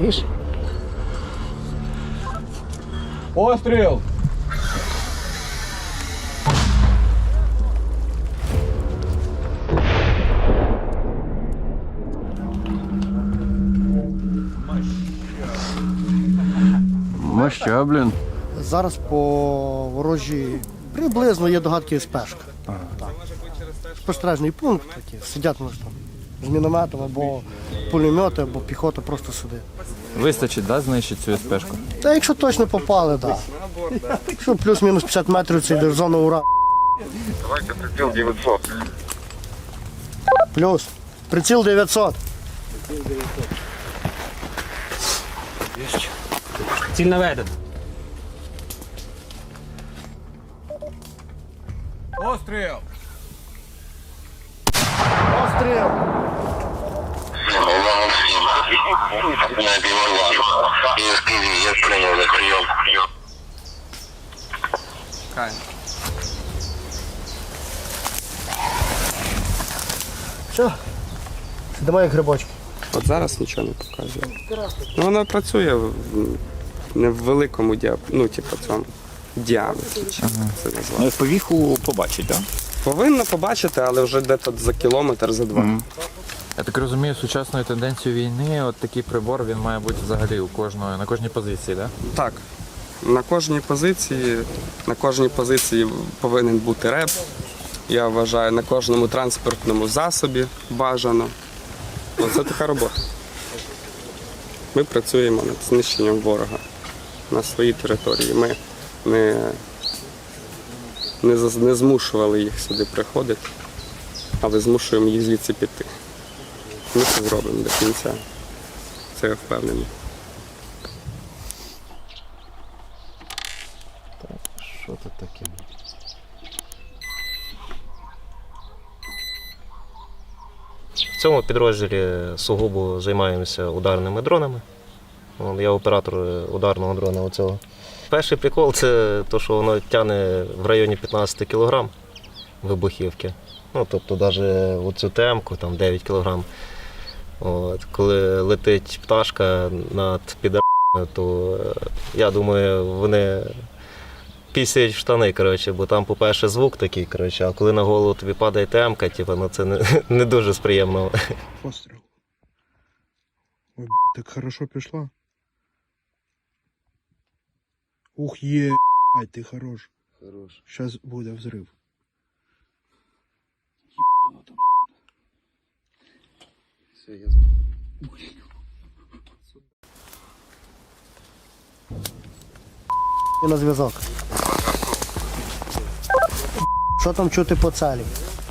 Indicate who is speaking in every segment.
Speaker 1: Видишь?
Speaker 2: Постріл!
Speaker 3: Моща, блін.
Speaker 1: Зараз по ворожі приблизно є догадки СПшка. Спостережний пункт такий. Сидять вони там з мінометом або пулемети, або піхота просто сидить.
Speaker 3: Вистачить, да, знищити цю СПшку?
Speaker 1: Та якщо точно попали, так. Да. Якщо плюс-мінус 50 метрів це йде в зону ура.
Speaker 4: Давайте приціл 900.
Speaker 1: Плюс. Приціл 900.
Speaker 5: Ціль наведена.
Speaker 2: Постріл!
Speaker 1: Постріл.
Speaker 4: Я прийняв на прийом.
Speaker 1: Все. Сидимо як грибочки.
Speaker 6: От зараз нічого не показує. Ну, воно працює не в великому цьому діаметрі, чи як це назвати.
Speaker 3: Ну, повіху побачить, так?
Speaker 6: Повинно побачити, але вже десь за кілометр, за два.
Speaker 3: Я так розумію, сучасною тенденцією війни, от такий прибор, він має бути взагалі на кожній позиції, так?
Speaker 6: Так. На кожній позиції повинен бути реп. Я вважаю, на кожному транспортному засобі бажано. Оце така робота. Ми працюємо над знищенням ворога на своїй території. Ми не змушували їх сюди приходити, але змушуємо їх звідси піти. Ми це зробимо до кінця. Це я впевнений.
Speaker 3: Що тут таке?
Speaker 7: В цьому підрозділі сугубо займаємося ударними дронами. Я оператор ударного дрона оцього. Перший прикол – це те, що воно тягне в районі 15 кг вибухівки. Ну, тобто навіть оцю темку, там 9 кг. От, коли летить пташка над підарами, то я думаю, вони пісяють в штани, коротше, бо там, по-перше, звук такий, коротше, а коли на голову тобі падає темка, ну, це не дуже приємно.
Speaker 8: Постріл. Ой, так хорошо пішла. Ух, ай, ти хорош. Хорош. Сейчас буде взрыв.
Speaker 6: Все, ясно.
Speaker 1: І на зв'язок. Що там чути по цілі?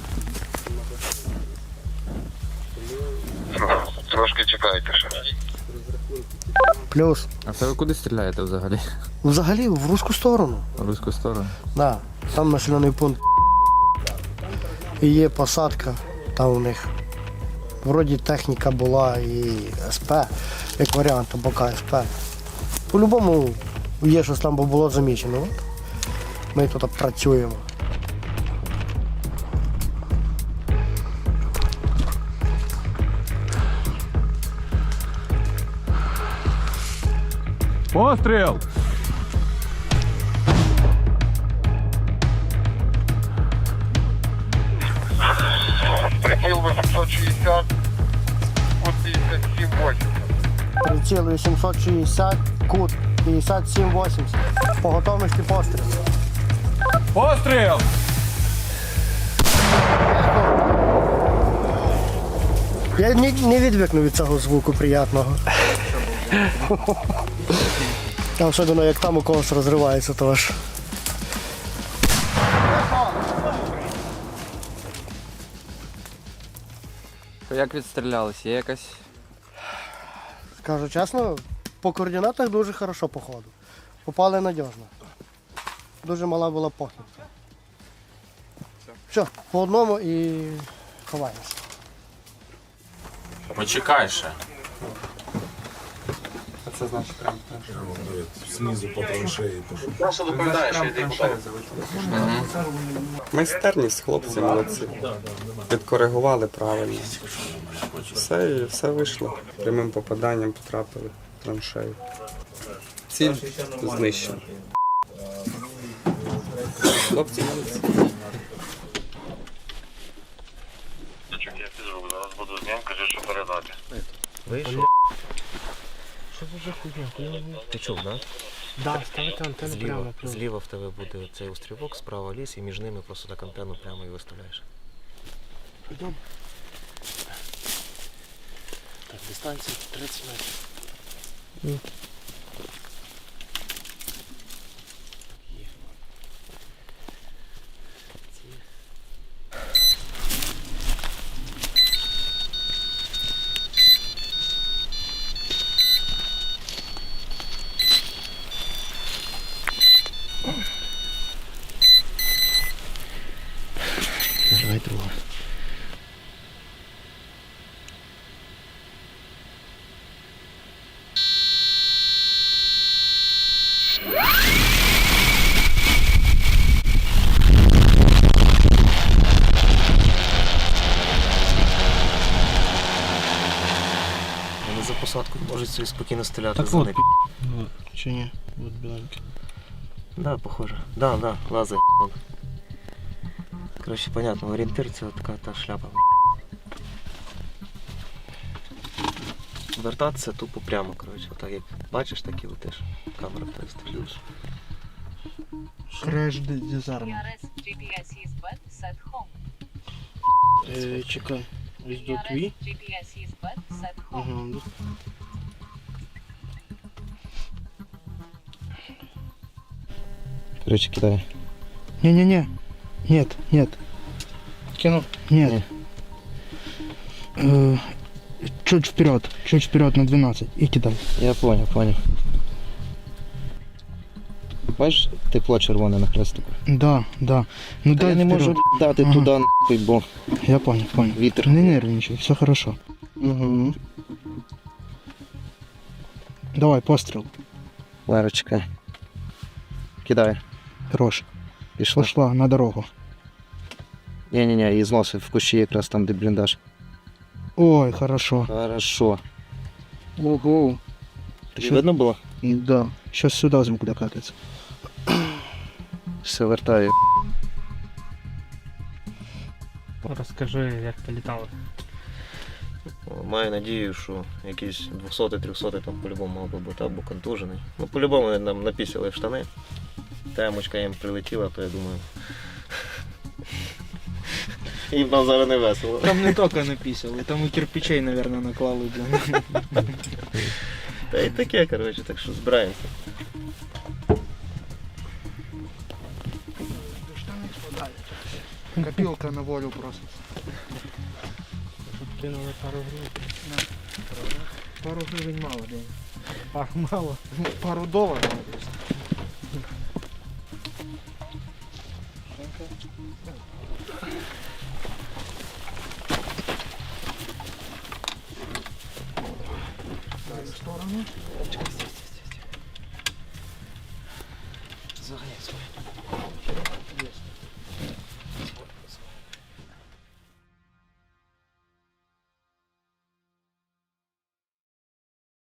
Speaker 4: Трошки чекайте ще.
Speaker 1: Плюс.
Speaker 3: А це ви куди стріляєте взагалі?
Speaker 1: Взагалі в руську сторону.
Speaker 3: В руську сторону?
Speaker 1: Да. Там населений пункт. І є посадка, там у них. Вроді техніка була і СП, як варіант, або КСП. По-любому є щось там було замічено. От. Ми тут працюємо.
Speaker 2: Постріл!
Speaker 4: Приціл 860, кут 57,8.
Speaker 1: Приціл 860, кут 57,80. По готовності постріл.
Speaker 2: Постріл!
Speaker 1: Я не відвикну від цього звуку приятного. Особливо як там у когось розривається, то аж.
Speaker 3: Як відстрілялись? Є якась?
Speaker 1: Скажу чесно, по координатах дуже хорошо по ходу. Попали надіжно. Дуже мала була похибка. Все, по одному і ховаємося.
Speaker 9: Почекай ще.
Speaker 6: А це значить прямо.
Speaker 8: Знизу по траншеї.
Speaker 4: Просто доповідаєш, що йди куди.
Speaker 6: Майстерність, хлопці, молодці. Підкоригували правильно. Все вийшло. Прямим попаданням потрапили. траншею. Ціль знищена. Хлопці молодці.
Speaker 4: Я піджу, зараз буду з ним, кажи, що передати.
Speaker 7: Вийшов. Що це за хуйня? Ти чув, да?
Speaker 1: Да, ставити антенну
Speaker 7: Зліва, зліва в тебе буде цей острівок, справа ліс, і між ними просто так антенну прямо і виставляєш.
Speaker 1: Йдемо. Так, дистанція 30 метрів. Нажимай другу.
Speaker 7: Вони за посадкою можуть собі спокійно стріляти
Speaker 8: Так
Speaker 7: за
Speaker 8: от,
Speaker 7: них.
Speaker 8: Ну, чи ні? От біленький.
Speaker 7: Да, похоже. Да, лазер. Короче, понятно, орієнтир це така та шляпа. Вертатися тупо прямо, коротше. Так як бачиш, так і летиш. Камера в тебе стрілюєш.
Speaker 8: Креш дизарм.
Speaker 5: PRS GPS is bad, set home.
Speaker 8: Чекай. Ось до
Speaker 5: PRS
Speaker 8: твій.
Speaker 5: GPS is bad, set home.
Speaker 8: Ага.
Speaker 7: Короче, кидаю.
Speaker 8: Не-не-не. Нет, нет.
Speaker 1: Кинув.
Speaker 8: Нет. Чуть вперед на 12 и кидай.
Speaker 7: Я понял. Бачиш, тепло червоне на хрестику.
Speaker 8: Да. Ну дай
Speaker 7: Я не
Speaker 8: вперед.
Speaker 7: можу дати
Speaker 8: Ага.
Speaker 7: туди, нахуй, бо
Speaker 8: Я понял.
Speaker 7: вітер.
Speaker 8: Не нервничай, все хорошо.
Speaker 7: Угу.
Speaker 8: Давай, пострел.
Speaker 7: Лера, чекай. Кидаю.
Speaker 8: Хорош.
Speaker 7: Пішла.
Speaker 8: Пошла на дорогу.
Speaker 7: Ні, її зносив в кущі якраз там, де бліндаж.
Speaker 8: Ой, хорошо.
Speaker 7: Хорошо.
Speaker 8: Ого.
Speaker 7: Тобі видно було?
Speaker 8: Да. Сейчас сюда звук докатится.
Speaker 7: Все, вертаю.
Speaker 9: Розкажи, як ти літали.
Speaker 7: Маю надію, що якийсь 200-300 там по-любому мав би бути або контужений. Ну, по-любому нам напісили в штани. Темочка їм прилетіла, то я думаю. Їм там зараз не весело.
Speaker 9: Там не тільки написали, там і кирпичей, мабуть, наклали.
Speaker 7: Та й таке, коротше, так що збираємося.
Speaker 8: Копилка на волю просто.
Speaker 9: Кинули пару гривень.
Speaker 8: Пару гривен мало, день.
Speaker 9: Пару мало.
Speaker 8: Пару долларов.
Speaker 7: Заганяй свою.